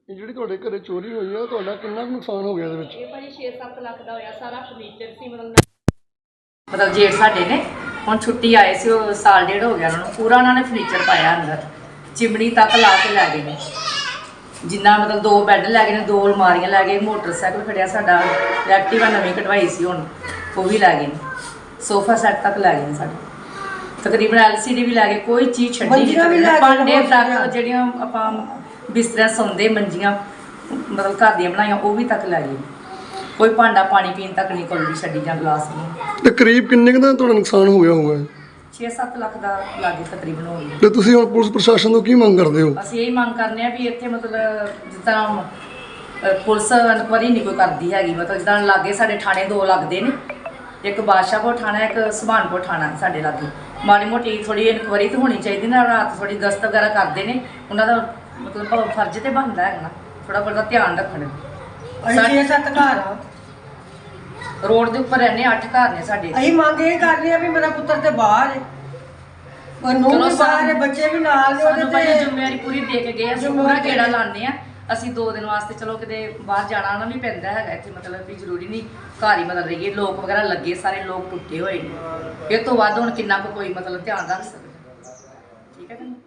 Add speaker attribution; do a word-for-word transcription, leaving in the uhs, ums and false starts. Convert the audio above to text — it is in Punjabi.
Speaker 1: ਜਿਹੜੀ ਤੁਹਾਡੇ ਘਰੇ ਚੋਰੀ ਹੋਈ ਆ ਤੁਹਾਡਾ ਕਿੰਨਾ ਕੁ ਨੁਕਸਾਨ ਹੋ ਗਿਆ ਇਹਦੇ ਵਿੱਚ?
Speaker 2: ਇਹ ਭਾਜੀ ਛੇ ਸੱਤ ਲੱਖ ਦਾ ਹੋਇਆ। ਸਾਰਾ ਫਰਨੀਚਰ ਸੀ ਮਤਲਬ ਮਤਲਬ ਜੇਠ ਸਾਡੇ ਨੇ ਹੁਣ ਛੁੱਟੀ ਆਏ ਸੀ, ਉਹ ਸਾਲ ਡੇਢ ਹੋ ਗਿਆ ਉਹਨਾਂ ਨੂੰ, ਪੂਰਾ ਉਹਨਾਂ ਨੇ ਫਰਨੀਚਰ ਪਾਇਆ ਅੰਦਰ, ਚਿਮਣੀ ਤੱਕ ਲਾ ਕੇ ਲੈ ਗਏ ਨੇ। ਜਿੰਨਾ ਮਤਲਬ ਦੋ ਬੈੱਡ ਲੈ ਗਏ ਨੇ, ਦੋ ਅਲਮਾਰੀਆਂ ਲੈ ਗਏ, ਮੋਟਰਸਾਈਕਲ ਖੜਿਆ ਸਾਡਾ, ਐਕਟਿਵਾ ਨਵੀਂ ਕਢਵਾਈ ਸੀ ਹੁਣ ਉਹ ਵੀ ਲੈ ਗਏ ਨੇ, ਸੋਫਾ ਸੈੱਟ ਤੱਕ ਲੈ ਗਏ ਨੇ ਸਾਡੇ, ਤਕਰੀਬਨ ਐਲ ਸੀ ਡੀ ਵੀ ਲੈ ਗਏ, ਕੋਈ ਚੀਜ਼ ਛੱਡੀ ਨਹੀਂ। ਭਾਂਡੇ ਤੱਕ ਜਿਹੜੀਆਂ ਆਪਾਂ ਬਿਸਤਰਾ ਸੌਂਦੇ ਮੰਜੀਆਂ ਮਤਲਬ ਘਰ ਦੀਆਂ ਬਣਾਈਆਂ ਉਹ ਵੀ ਤੱਕ ਲੈ ਗਏ। ਕੋਈ ਭਾਂਡਾ ਪਾਣੀ ਪੀਣ ਤੱਕ ਨਹੀਂ ਕੋਈ ਵੀ ਛੱਡੀ ਜਾਂ ਗਲਾਸ ਨਹੀਂ।
Speaker 1: ਤੇ ਕਰੀਬ ਕਿੰਨੇ ਕੁ ਦਾ ਤੁਹਾਡਾ ਨੁਕਸਾਨ ਹੋ ਗਿਆ ਹੋਊਗਾ?
Speaker 2: ਛੇ ਸੱਤ ਲੱਖ ਦਾ ਲਾਗੇ ਤਕਰੀਬਨ ਹੋ ਗਿਆ।
Speaker 1: ਤੇ ਤੁਸੀਂ ਹੁਣ ਪੁਲਿਸ ਪ੍ਰਸ਼ਾਸਨ ਤੋਂ ਕੀ ਮੰਗ ਕਰਦੇ ਹੋ?
Speaker 2: ਅਸੀਂ ਇਹ ਮੰਗ ਕਰਨੇ ਆ ਵੀ ਇੱਥੇ ਮਤਲਬ ਜਿੱਦਾਂ ਪੁਲਿਸ ਇਨਕੁਆਰੀ ਨਹੀਂ ਕੋਈ ਕਰਦੀ ਹੈਗੀ, ਮਤਲਬ ਜਿੱਦਾਂ ਲਾਗੇ ਸਾਡੇ ਥਾਣੇ ਦੋ ਲੱਗਦੇ ਨੇ, ਇੱਕ ਬਾਦਸ਼ਾਹਪੁਰ ਥਾਣਾ, ਇੱਕ ਸੁਭਾਨਪੁਰ ਥਾਣਾ ਸਾਡੇ ਲਾਗੇ। ਮਾੜੀ ਮੋਟੀ ਥੋੜੀ ਇਨਕੁਆਰੀ ਤਾਂ ਹੋਣੀ ਚਾਹੀਦੀ ਨਾ, ਰਾਤ ਥੋੜੀ ਗਸ਼ਤ ਵਗੈਰਾ ਕਰਦੇ ਨੇ, ਉਹਨਾਂ ਦਾ ਮਤਲਬ ਫਰਜ਼ ਤੇ ਬਣਦਾ ਹੈਗਾ ਨਾ ਥੋੜਾ ਬਹੁਤਾ ਧਿਆਨ ਰੱਖਣ।
Speaker 3: ਛੇ ਸੱਤ ਘਰ ਆ,
Speaker 2: ਰੋਡ ਦੇ ਉੱਪਰ ਰਹਿੰਦੇ, ਅੱਠ ਘਰ ਨੇ ਸਾਡੇ।
Speaker 3: ਅਸੀਂ ਮੰਗ ਇਹ ਕਰ ਰਹੇ ਆ ਵੀ ਮੇਰਾ ਪੁੱਤਰ ਤੇ ਬਾਹਰ ਹੈ, ਉਹ ਨੂੰ ਵੀ ਬਾਹਰ ਹੈ, ਬੱਚੇ ਵੀ ਨਾਲ ਨੇ
Speaker 2: ਸਾਨੂੰ ਭਾਈ
Speaker 3: ਉਹਦੇ
Speaker 2: ਜ਼ਿੰਮੇਵਾਰੀ ਪੂਰੀ ਦੇ ਕੇ ਗਏ, ਅਸੀਂ ਪੂਰਾ ਗੇੜਾ ਲਾਉਂਦੇ ਆ। ਅਸੀਂ ਦੋ ਦਿਨ ਵਾਸਤੇ ਚਲੋ ਕਿਤੇ ਬਾਹਰ ਜਾਣਾ ਨਾ ਵੀ ਪੈਂਦਾ ਹੈਗਾ ਇੱਥੇ, ਮਤਲਬ ਵੀ ਜ਼ਰੂਰੀ ਨਹੀਂ ਘਰ ਹੀ ਮਤਲਬ ਰਹੀਏ। ਲੋਕ ਵਗੈਰਾ ਲੱਗੇ, ਸਾਰੇ ਲੋਕ ਟੁੱਟੇ ਹੋਏ ਨੇ, ਇਹ ਤੋਂ ਵੱਧ ਹੁਣ ਕਿੰਨਾ ਕੁ ਕੋਈ ਮਤਲਬ ਧਿਆਨ ਰੱਖ ਸਕਦਾ। ਠੀਕ ਹੈ ਕਿ ਨਹੀਂ?